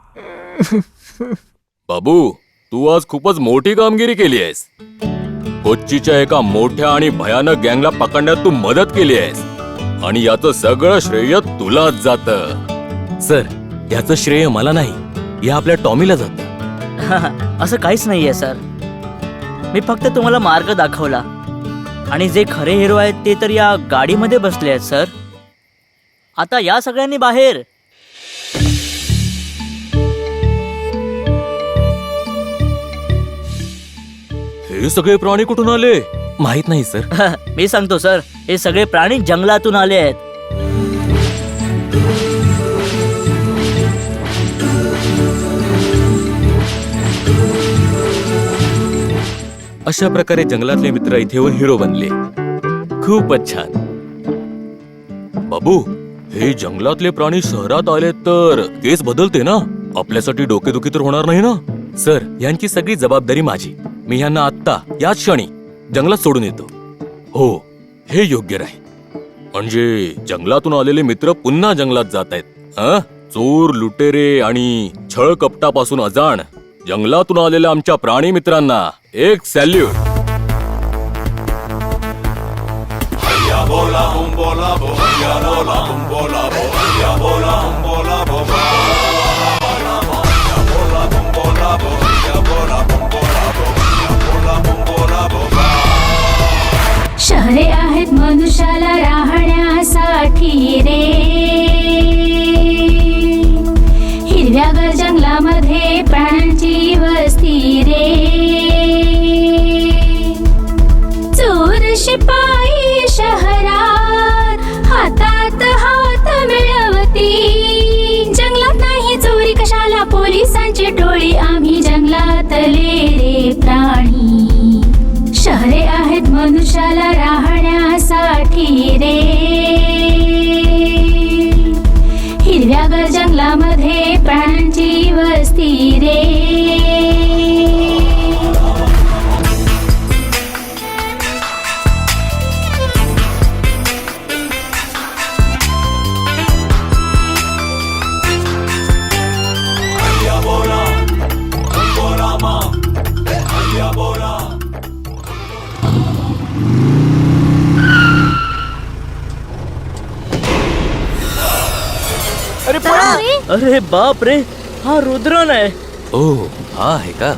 बाबू, तू आज खूपच मोठी कामगिरी केली आहेस. कोच्चीच्या एका मोठ्या आणि भयानक गँगला पकडण्यात तू मदत केली आहेस आणि याचं सगळं श्रेय तुलाच जातं. सर, याचं श्रेय मला नाही, या आपल्या टॉमीला जातं. असं काहीच नाहीये सर. मी फक्त तुम्हाला मार्ग दाखवला आणि जे खरे हिरो आहेत ते तर या गाडीमध्ये बसले आहेत सर. आता या सगळ्यांनी बाहेर. हे सगळे प्राणी कुठून आले? माहित नाही सर. मी सांगतो सर, हे सगळे प्राणी जंगलातून आले आहेत. अशा प्रकारे जंगलातले मित्र इथे येऊन हिरो बनले. खूपच छान. बाबू, हे जंगलातले प्राणी शहरात आले तर केस बदलते ना? आपल्यासाठी डोकेदुखी तर होणार नाही ना? सर, यांची सगळी जबाबदारी माझी. मी ह्यांना आत्ता याच क्षणी जंगलात सोडून येतो. हो, हे योग्य राहील. म्हणजे जंगलातून आलेले मित्र पुन्हा जंगलात जात आहेत. चोर, लुटेरे आणि छळ कपटापासून अजाण जंगलातून आलेल्या आमच्या प्राणी मित्रांना एक सॅल्यूट. शहरे आहेत मनुष्याला राहण्यासाठी रे. हिरव्यागर जंगलामध्ये प्राण्यांची वस्ती रे. चोर शिपाई शहरात हातात हात मिळवती. जंगलात नाही चोरी कशाला, पोलिसांची टोळी आम्ही जंगलातले रे प्राणी. शहरे आहेत मनुष्याला राहण्यासाठी रे. हिरव्यागर जंगलामध्ये प्राण्यांची वस्ती रे. अरे बाप रे, हा रुद्रन आहे. ओ, हा आहे का?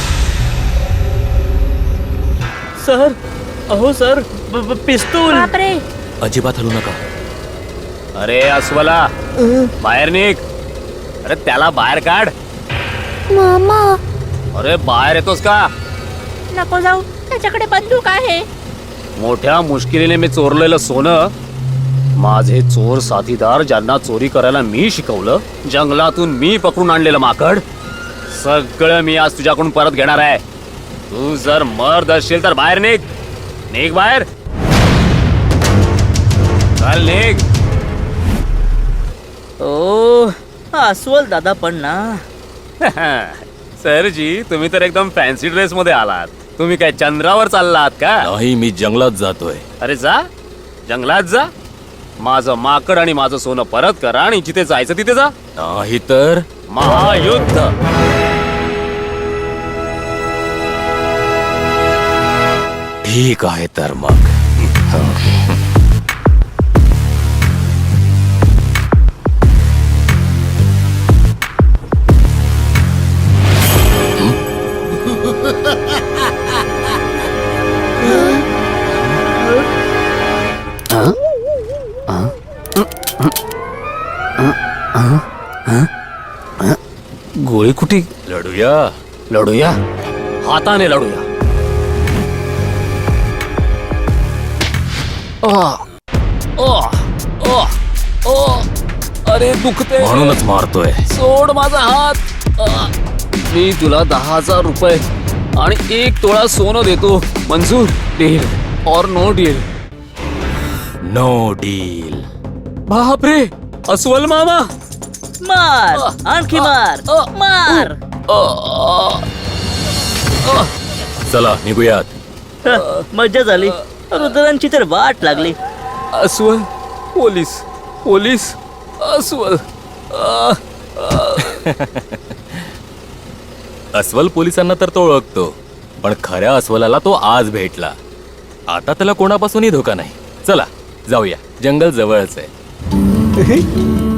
सर, अहो सर, पिस्तूल. अजिबात हलू नका. अरे अस्वला, बाहेर निघ. अरे त्याला बाहेर काढ. मामा, अरे बाहेर येतोस का? नको जाऊ, त्याच्याकडे बंदूक आहे. मोठ्या मुश्किलीने मी चोरलेलं सोनं, माझे चोर साथीदार ज्यांना चोरी करायला मी शिकवलं, जंगलातून मी पकडून आणलेलं माकड, सगळं मी आज तुझ्याकडून परत घेणार आहे. तू जर मर्द असशील तर बाहेर निघ. निघ बाहेर. चल निघ. ओ, हा अस्वल दादा पण ना. सरजी, तुम्ही तर एकदम फॅन्सी ड्रेस मध्ये आलात. तुम्ही काय चंद्रावर चाललात का? नाही, मी जंगलात जातोय. अरे जा, जंगलात जा. माझं माकड आणि माझं सोनं परत करा आणि जिथे जायचं तिथे जा. नाही तर महायुद्ध. ठीक आहे तर मग. गोळी कुठे? लढूया. लढूया, हाताने लढूया. अरे दुखते. म्हणूनच मारतोय. सोड माझा हात. मी तुला 10,000 रुपये आणि 1 तोळा सोनं देतो. मंजूर? डील और नो डील? No deal. बापरे, अस्वल मामा. मार, आणखी मार, मार. चला निघूयात. मज्जा झाली. रुद्रांची तर वाट लागली. अस्वल, पोलीस, पोलीस, अस्वल. अस्वल पोलिसांना तर तो ओळखतो, पण खऱ्या अस्वलाला तो आज भेटला. आता त्याला कोणापासूनही धोका नाही. चला जाऊया, जंगल जवळच आहे.